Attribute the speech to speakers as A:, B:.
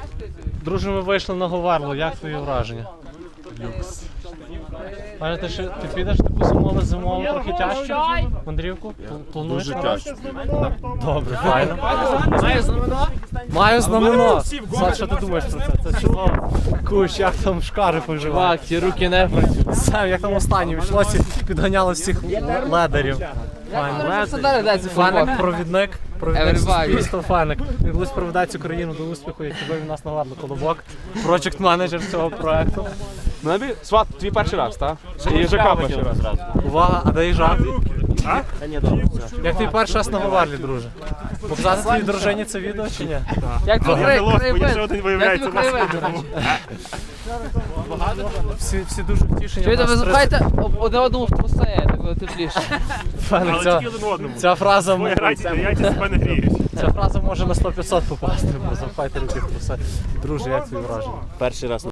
A: Друже, ми вийшли на Говерло, як твої враження? Люкс. Пане, ти підеш таку зимову трохи тяжчу мандрівку? Плануєш?
B: Дуже тяжко.
A: Добре, файно. Маю знамено. Сад, що ти думаєш про це? Це чудово. Куш, як там шкари поживають?
C: Чувак, ті руки не працюють.
A: Сам, як там останні вийшлося, підганяло всіх ледерів. Фаник, провідник суспільства, Фаник. Він колись проведе цю країну до успіху, як вивів нас на Ладно Колобок. Проджект-менеджер цього проекту.
D: Сват, твій перший раз, так? І їжака перший раз.
A: Увага, а де їжак? Як твій перший раз на Говерлі, друже? Показати твоїй дружині це відео чи ні?
C: Як тобі краєвид?
B: виявляється
C: Як тобі краєвид?
A: Всі дуже втішені.
C: Чуєте, ви запхайте одне одному в труси, так буде тепліше.
A: Фаник, ця фраза може на 100-500 попасти, бо запхайте руки в труси. Друже, як твої враження?
B: Перший раз